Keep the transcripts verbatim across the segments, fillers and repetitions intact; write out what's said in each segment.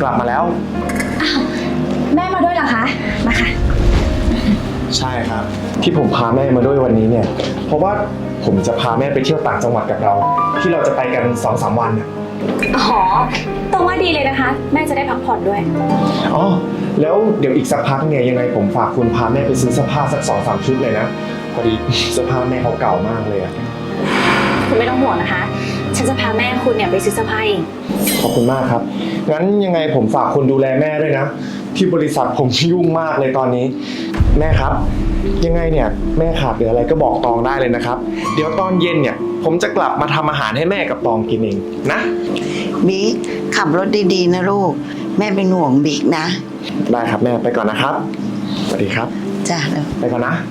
กลับมาแล้วอ้าวแม่มาด้วยเหรอคะมาค่ะใช่ครับที่ผมพาแม่มาด้วยวันนี้เนี่ยเพราะว่าผมจะพาแม่ไปเที่ยวต่างจังหวัดกับเราที่เราจะไปกัน สองสาม วันอ๋อตรงว่าดีเลยนะคะแม่จะได้พักผ่อนด้วยอ๋อแล้วเดี๋ยวอีกสักพักเนี่ยยังไงผมฝากคุณพาแม่ไปซื้อเสื้อผ้าสัก สองสาม ชุดเลยนะพอดีเสื้อผ้าแม่เขาเก่ามากเลยอะคุณไม่ต้องห่วงนะคะฉันจะพาแม่คุณเนี่ยไปซื้อเสื้อผ้าเองขอบคุณมากครับงั้นยังไงผมฝากคุณดูแลแม่ด้วยนะที่บริษัทผมยุ่งมากเลยตอนนี้แม่ครับยังไงเนี่ยแม่ขาดเหลืออะไรก็บอกตองได้เลยนะครับเดี๋ยวตอนเย็นเนี่ยผมจะกลับมาทำอาหารให้แม่กับตองกินเองนะบิ๊กขับรถดีๆนะลูกแม่เป็นห่วงบิ๊กนะได้ครับแม่ไปก่อนนะครับสวัสดีครับจ้าแล้วไปก่อนนะ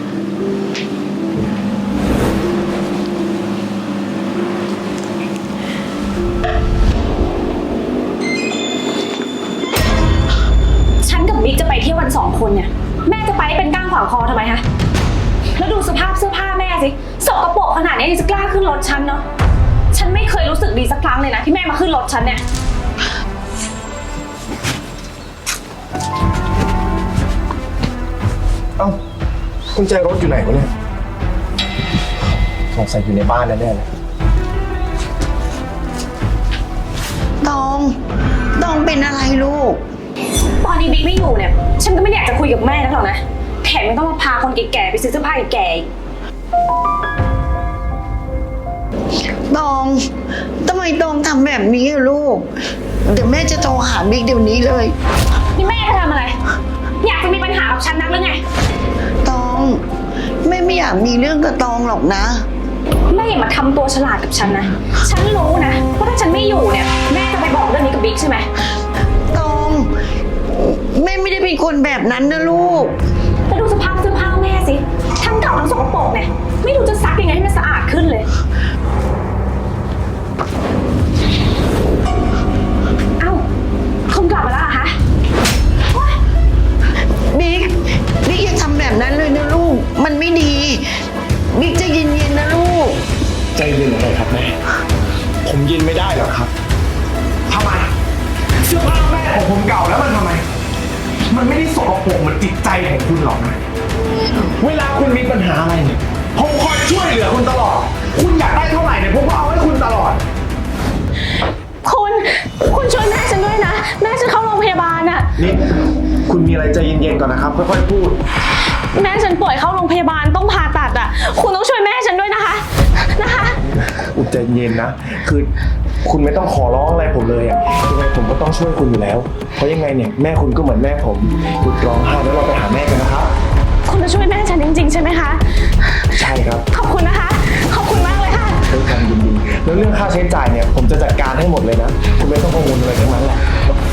ฉันกับบิ๊กจะไปเที่ยวกันสองคนเนี่ยแม่จะไปเป็นก้างขวางคอทำไมคะแล้วดูสภาพเสื้อผ้าแม่สิสกปรกขนาดนี้ยังจะกล้าขึ้นรถฉันเนาะฉันไม่เคยรู้สึกดีสักครั้งเลยนะที่แม่มาขึ้นรถฉันเนี่ยเอ้ากุญแจรถอยู่ไหนวะเนี่ยสงสัยอยู่ในบ้านแน่ๆเลยตองตองเป็นอะไรลูกตอนนี้บิ๊กไม่อยู่เนี่ยฉันก็ไม่อยากจะคุยกับแม่นักหรอกนะแถมไม่ต้องมาพาคนแก่ๆไปซื้อเสื้อผ้าแก่ตองทำไมตองทำแบบนี้อะลูกเดี๋ยวแม่จะโทรหาบิ๊กเดี๋ยวนี้เลยนี่แม่จะทำอะไรอยากจะมีปัญหากับฉันนักหรือไงตองแม่ไม่อยากมีเรื่องกับตองหรอกนะแม่อย่ามาทำตัวฉลาดกับฉันนะฉันรู้นะว่าถ้าฉันไม่อยู่เนี่ยแม่จะไปบอกเรื่องนี้กับบิ๊กใช่ไหมตองแม่ไม่ได้เป็นคนแบบนั้นนะลูกแล้วดูสภาพเสื้อผ้าแม่สิทั้งเก่าทั้งสกปรกเนี่ยไม่รู้จะซักยังไงให้มันสะอาดขึ้นเลยเอ้าคุณกลับมาแล้วเหรอคะบิ๊กบิ๊กอย่าทำแบบนั้นเลยนะลูกมันไม่ดีบิ๊กจะเย็นๆนะลูกใจเย็นเลยครับแม่ผมเย็นไม่ได้หรอกครับทำไมเสื้อผ้าแม่ของผมเก่าแล้วมันทำไมมันไม่ได้สกปรกเหมือนจิตใจของคุณหรอกนะเวลาคุณมีปัญหาอะไรเนี่ยผมคอยช่วยเหลือคุณตลอดคุณอยากได้เท่าไหร่เนี่ยผมก็เอาให้คุณตลอดคุณคุณช่วยแม่ฉันด้วยนะแม่ฉันเข้าโรงพยาบาลน่ะนี่คุณมีอะไรใจเย็นๆก่อนนะครับค่อยๆพูดแม่ฉันป่วยเข้าโรงพยาบาลต้องผ่าตัดอ่ะคุณต้องช่วยแม่ฉันด้วยนะคะนะคะอุยใจเย็นนะคือคุณไม่ต้องขอร้องอะไรผมเลยอ่ะยังไงผมก็ต้องช่วยคุณอยู่แล้วเพราะยังไงเนี่ยแม่คุณก็เหมือนแม่ผมหยุดร้องไห้แล้วเราไปหาแม่กันนะครับคุณจะช่วยแม่ฉันจริงๆใช่ไหมคะใช่ครับขอบคุณนะคะขอบคุณมากเลยค่ะด้วยความยินดีแล้วเรื่องค่าใช้จ่ายเนี่ยผมจะจัดการให้หมดเลยนะคุณไม่ต้องกังวลอะไรทั้งนั้นแหละ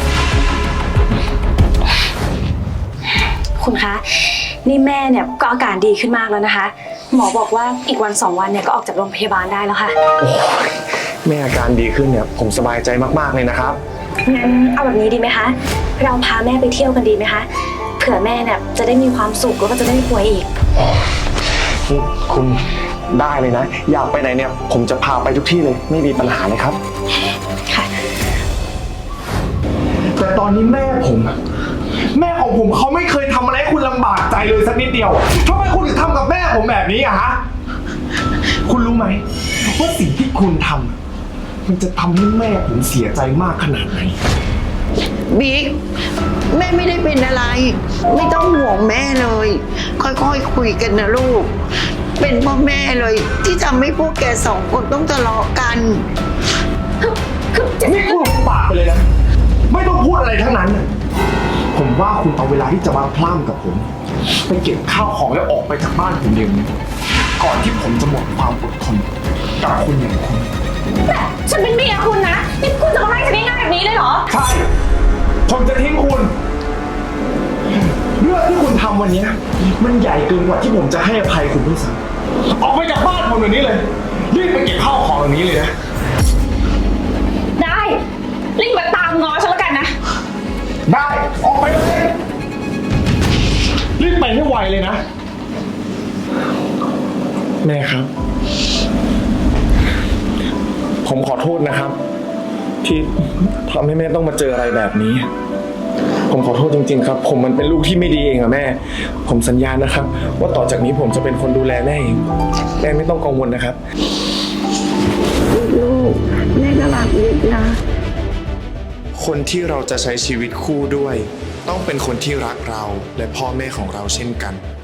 คุณคะนี่แม่เนี่ยก็อาการดีขึ้นมากแล้วนะคะหมอบอกว่าอีกวันสองวันเนี่ยก็ออกจากโรงพยาบาลได้แล้วค่ะแม่อาการดีขึ้นเนี่ยผมสบายใจมากๆเลยนะครับงั้นเอาแบบนี้ดีไหมคะเราพาแม่ไปเที่ยวกันดีไหมคะเผื่อแม่เนี่ยจะได้มีความสุขแล้วก็จะได้ไม่ป่วยอีกคุณได้เลยนะอยากไปไหนเนี่ยผมจะพาไปทุกที่เลยไม่มีปัญหาเลยครับค่ะแต่ตอนนี้แม่ผมแม่ของผมเขาไม่เคยทำอะไรให้คุณลำบากใจเลยสักนิดเดียวทำไมคุณถึงทำกับแม่ผมแบบนี้อะฮะคุณรู้ไหมว่าสิ่งที่คุณทำมันจะทำให้แม่ผมเสียใจมากขนาดไหนบิ๊กแม่ไม่ได้เป็นอะไรไม่ต้องห่วงแม่เลยค่อยๆ ค, คุยกันนะลูกเป็นพ่อแม่เลยที่ทำให้พวกแกสองคนต้องทะเลาะกันนี่พูดปากไปเลยนะไม่ต้องพูดอะไรทั้งนั้นผมว่าคุณเอาเวลาที่จะมาพล่ำกับผมไปเก็บข้าวของแล้วออกไปจากบ้านผมเดี๋ยวนี้ก่อนที่ผมจะหมดความอดทนกับคุณอย่างคุณแต่ฉันเป็นเมียคุณนะนี่คุณจะมาไล่ฉันง่ายๆแบบนี้เลยเหรอใช่ผมจะทิ้งคุณเรื่องที่คุณทำวันนี้มันใหญ่เกินกว่าที่ผมจะให้อภัยคุณด้วยซ้ำออกไปจากบ้านผมเดี๋ยวนี้เลยรีบไปเก็บข้าวของอย่างนี้เลยนะได้รีบมาตามง้อฉันแล้วกันนะได้ออกไปเลยรีบไปให้ไวเลยนะแม่ครับผมขอโทษนะครับที่ทำให้แม่ต้องมาเจออะไรแบบนี้ ผมขอโทษจริงๆครับ ผมมันเป็นลูกที่ไม่ดีเองอะแม่ ผมสัญญานะครับ ว่าต่อจากนี้ผมจะเป็นคนดูแลแม่เองแม่ไม่ต้องกังวลนะครับลูกแม่ก็รักบิ๊กนะคนที่เราจะใช้ชีวิตคู่ด้วย ต้องเป็นคนที่รักเราและพ่อแม่ของเราเช่นกัน